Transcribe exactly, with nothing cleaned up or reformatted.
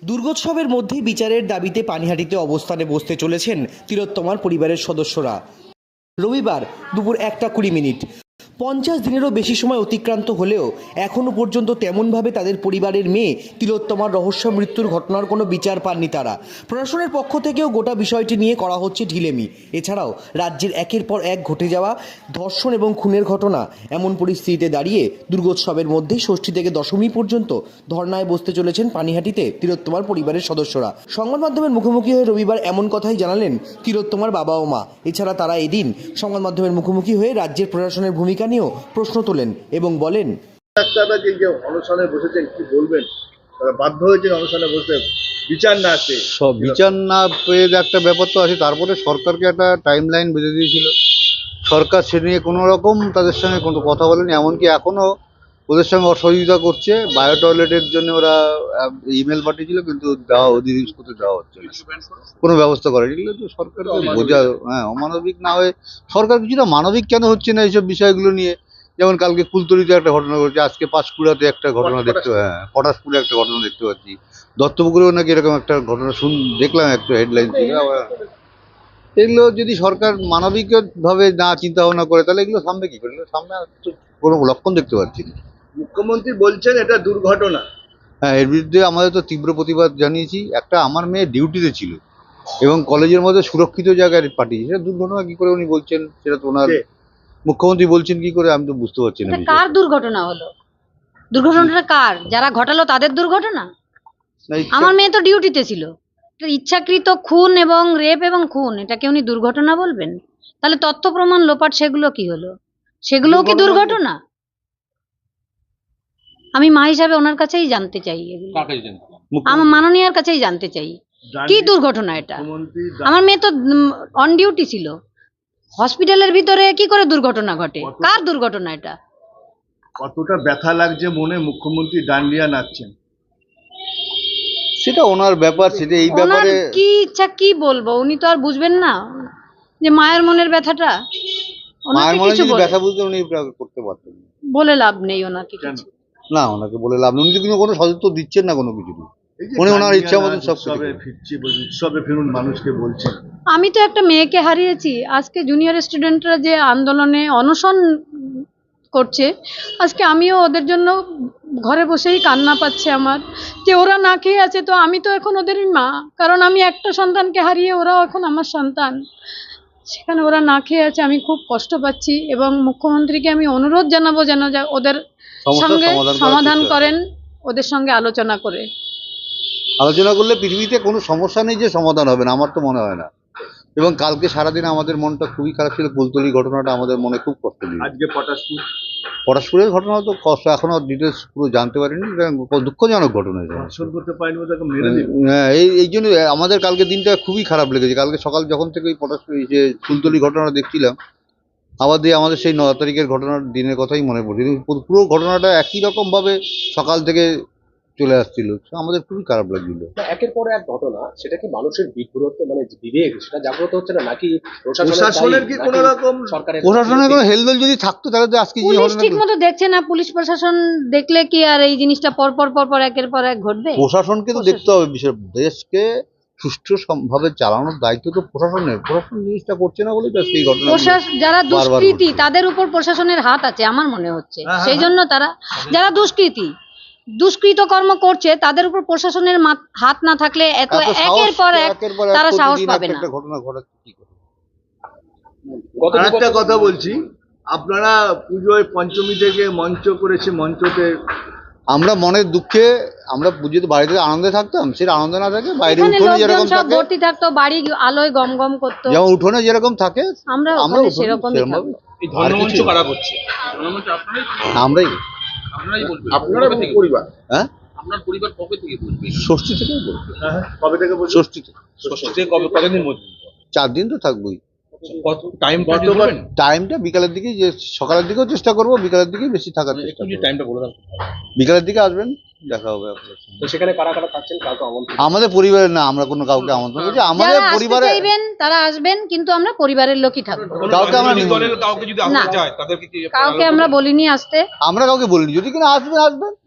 দুর্গোৎসবের মধ্যে বিচারের দাবিতে পানিহাটিতে অবস্থানে বসতে চলেছেন তিলোত্তমার পরিবারের সদস্যরা। রবিবার দুপুর একটা কুড়ি মিনিট পঞ্চাশ দিনেরও বেশি সময় অতিক্রান্ত হলেও এখনও পর্যন্ত তেমনভাবে তাদের পরিবারের মেয়ে তিলোত্তমার রহস্য মৃত্যুর ঘটনার কোনো বিচার পাননি তারা। প্রশাসনের পক্ষ থেকেও গোটা বিষয়টি নিয়ে করা হচ্ছে ঢিলেমি। এছাড়াও রাজ্যের একের পর এক ঘটে যাওয়া ধর্ষণ এবং খুনের ঘটনা, এমন পরিস্থিতিতে দাঁড়িয়ে দুর্গোৎসবের মধ্যে ষষ্ঠী থেকে দশমী পর্যন্ত ধর্নায় বসতে চলেছেন পানিহাটিতে তিলোত্তমার পরিবারের সদস্যরা। সংবাদ মাধ্যমের মুখোমুখি হয়ে রবিবার এমন কথাই জানালেন তিলোত্তমার বাবা ও মা। এছাড়া তারা এদিন সংবাদ মাধ্যমের মুখোমুখি হয়ে রাজ্যের প্রশাসনের ভূমিকা নিয়েও প্রশ্ন তোলেন এবং বলেন, ডাক্তাররা যে যে অনশনে বসেছেন কি বলবেন? তারা বাধ্য হয়েছেন অনশনে বসতে, বিচার না আসে। সব বিচার না পেয়ে একটা ব্যাপার তো আছে। তারপরে সরকারকে একটা টাইম লাইন বেঁধে দিয়েছিল, সরকার সে নিয়ে কোনো রকম তাদের সঙ্গে কোনো কথা বলেনি। এমনকি এখনও ওদের সঙ্গে অসহযোগিতা করছে। বায়ো টয়লেটের জন্য ওরা ইমেল পাঠিয়েছিল, কিন্তু দেওয়া ওদের ইউজ করতে দেওয়া হচ্ছে না, কোনো ব্যবস্থা করে। এগুলো তো সরকারকে বোঝা, হ্যাঁ অমানবিক না হয়ে সরকার কিছুটা মানবিক কেন হচ্ছে না এইসব বিষয়গুলো নিয়ে? যেমন কালকে কুলতলিতে একটা ঘটনা ঘটেছে, আজকে পাঁশকুড়াতে একটা ঘটনা দেখতে, হ্যাঁ পটাশপুরে একটা ঘটনা দেখতে পাচ্ছি, দত্তপুকুরেও নাকি এরকম একটা ঘটনা শুন দেখলাম একটা হেডলাইন থেকে। আবার এগুলো যদি সরকার মানবিকভাবে না চিন্তা ভাবনা করে তাহলে এগুলো সামনে কি করে? সামনে তো কোনো লক্ষণ দেখতে পাচ্ছি না। মুখ্যমন্ত্রী বলছেন এটা দুর্ঘটনা। হ্যাঁ, এর বিরুদ্ধে আমাদের তো তীব্র প্রতিবাদ জানিয়েছি। একটা আমার মেয়ে ডিউটিতে ছিল এবং কলেজের মধ্যে সুরক্ষিত জায়গায় পাঠিয়েছে, সেটা দুর্ঘটনা কি করে উনি বলছেন? সেটা তো ওনার মুখ্যমন্ত্রী বলছেন কি করে? আমি তো বুঝতে পারছি না। কার দুর্ঘটনা হলো? দুর্ঘটনাটা কার? যারা ঘটালো তাদের দুর্ঘটনা? আমার মেয়ে তো ডিউটিতে ছিল। ইচ্ছাকৃত খুন এবং রেপ এবং খুন, এটাকে উনি দুর্ঘটনা বলবেন? তাহলে তথ্য প্রমাণ লোপাট সেগুলো কি হলো? সেগুলোও কি দুর্ঘটনা? আমি মা হিসাবে ওনার কাছেই জানতে চাই, এগুলো আমার মাননীয়ার কাছেই জানতে চাই কি দুর্ঘটনা এটা। আমার মেয়ে তো অন ডিউটি ছিল, হসপিটালের ভিতরে কি করে দুর্ঘটনা ঘটে? কার দুর্ঘটনা এটা? কতটা ব্যথা লাগছে মনে, মুখ্যমন্ত্রী ডান্ডিয়া নাচছেন। সেটা ওনার ব্যাপার, সেটা এই ব্যাপারে কি ইচ্ছা কি বলবো, উনি তো আর বুঝবেন না যে মায়ের মনের ব্যথাটা। মায়ের মনে যদি ব্যথা বুঝতে উনি করতে পারতেন। বলে লাভ নেই ওনাকে কিছু। না, ওনাকে বলে লাভ নেই। উনি তো কিন্তু কোনো সদস্য দিচ্ছেন না কোনো কিছু। উনি ওনার ইচ্ছা মতন সব উৎসবে ফিরছি, উৎসবে ফিরুন মানুষকে বলছেন। আমি তো একটা মেয়েকে হারিয়েছি। আজকে জুনিয়র স্টুডেন্টরা যে আন্দোলনে অনশন করছে, আজকে আমিও ওদের জন্য ঘরে বসেই কান্না পাচ্ছে আমার, যে ওরা না খেয়ে আছে। তো আমি তো এখন ওদেরই মা, কারণ আমি একটা সন্তানকে হারিয়ে ওরাও এখন আমার সন্তান। সেখানে ওরা না খেয়ে আছে, আমি খুব কষ্ট পাচ্ছি এবং মুখ্যমন্ত্রীকে আমি অনুরোধ জানাবো যেন ওদের সঙ্গে সমাধান করেন, ওদের সঙ্গে আলোচনা করে। আলোচনা করলে পৃথিবীতে কোনো সমস্যা নেই যে সমাধান হবে না, আমার তো মনে হয় না। এবং কালকে সারাদিন আমাদের মনটা খুবই খারাপ ছিল। কুলতলি ঘটনাটা আমাদের মনে খুব কষ্ট দিল। আজকে পটাশপুর পটাশপুরের ঘটনা তো কষ্ট, এখনো ডিটেলস পুরো জানতে পারিনি। দুঃখজনক ঘটনা। হ্যাঁ, এই এই জন্য আমাদের কালকে দিনটা খুবই খারাপ লেগেছে। কালকে সকাল যখন থেকে ওই পটাশপুর যে কুলতলি ঘটনাটা দেখছিলাম, আবার দিয়ে আমাদের সেই ন তারিখের ঘটনার দিনের কথাই মনে পড়ছে। পুরো ঘটনাটা একই রকম ভাবে সকাল থেকে চলে আসছিল, আমাদের খুবই খারাপ লাগছিল। একের পর এক ঘটনা, সেটা কি মানুষের বিব্রত, মানে বিবেক সেটা জাগ্রত হচ্ছে না, নাকি প্রশাসনের কি কোনো রকম সরকারের প্রশাসনের কোনো হেলদোল যদি থাকতো তাহলে তো আজকে পুলিশ ঠিক মতো দেখছে না। পুলিশ প্রশাসন দেখলে কি আর এই জিনিসটা পর পর পর পর একের পর এক ঘটবে? প্রশাসনকে তো দেখতে হবে। বিষয় দেশকে সুষ্ঠু ভাবে চালানোর দায়িত্ব তো প্রশাসনের। প্রশাসন জিনিসটা করছে না বলে সেই ঘটনা। যারা দুষ্কৃতী তাদের উপর প্রশাসনের হাত আছে আমার মনে হচ্ছে। সেই জন্য তারা, যারা দুষ্কৃতী দুষ্কৃত কর্ম করছে, তাদের উপর প্রশাসনের হাত না থাকলে এত একের পর এক তারা সাহস পাবে না। ঘটনা ঘটাচ্ছে কি করে? একটা কথা বলছি, আপনারা পুজোয় পঞ্চমী থেকে মঞ্চ করেছে, মঞ্চতে আমরা মনের দুঃখে আমরা পুজোতে বাড়িতে আনন্দে থাকতাম, সেটা আনন্দ না থাকে বাইরে উঠোনে যেরকম সব ভর্তি থাকতো, বাড়ি আলোয় গম গম করতো, যেমন উঠোনে যেরকম থাকে আমরা আমরা সেরকমই থাকবো। এই ধর্মমঞ্চ কারা করছে? ধর্মমঞ্চ আমরাই আপনারাই বলবেন। আপনারা পরিবার, হ্যাঁ আপনার পরিবার কবে থেকে বলবে? ষষ্ঠী থেকে বলবো। কবে থেকে বলছেন? ষষ্ঠী থেকে। ষষ্ঠী থেকে কবে, কতদিন মধ্যে? চার দিন তো থাকবোই। কত টাইম? টাইমটা বিকালের দিকে, যে সকালের দিকেও চেষ্টা করবো, বিকালের দিকেই বেশি থাকার চেষ্টা করবো। টাইমটা বলে দাও। বিকালের দিকে আসবেন, দেখা হবে আপনার সঙ্গে। তো সেখানে কারা কারা থাকছেন? কাউকে আমন্ত্রণ? আমাদের পরিবারের না, আমরা কোনো কাউকে আমন্ত্রণ করছি। আমাদের পরিবারে তারা আসবেন, কিন্তু আমরা পরিবারের লোকই থাকবো। কাউকে আমরা কাউকে যদি আসতে চায় তাদেরকে কি কাউকে আমরা বলিনি আসতে। আমরা কাউকে বলিনি, যদি কিনা আসবেন আসবেন।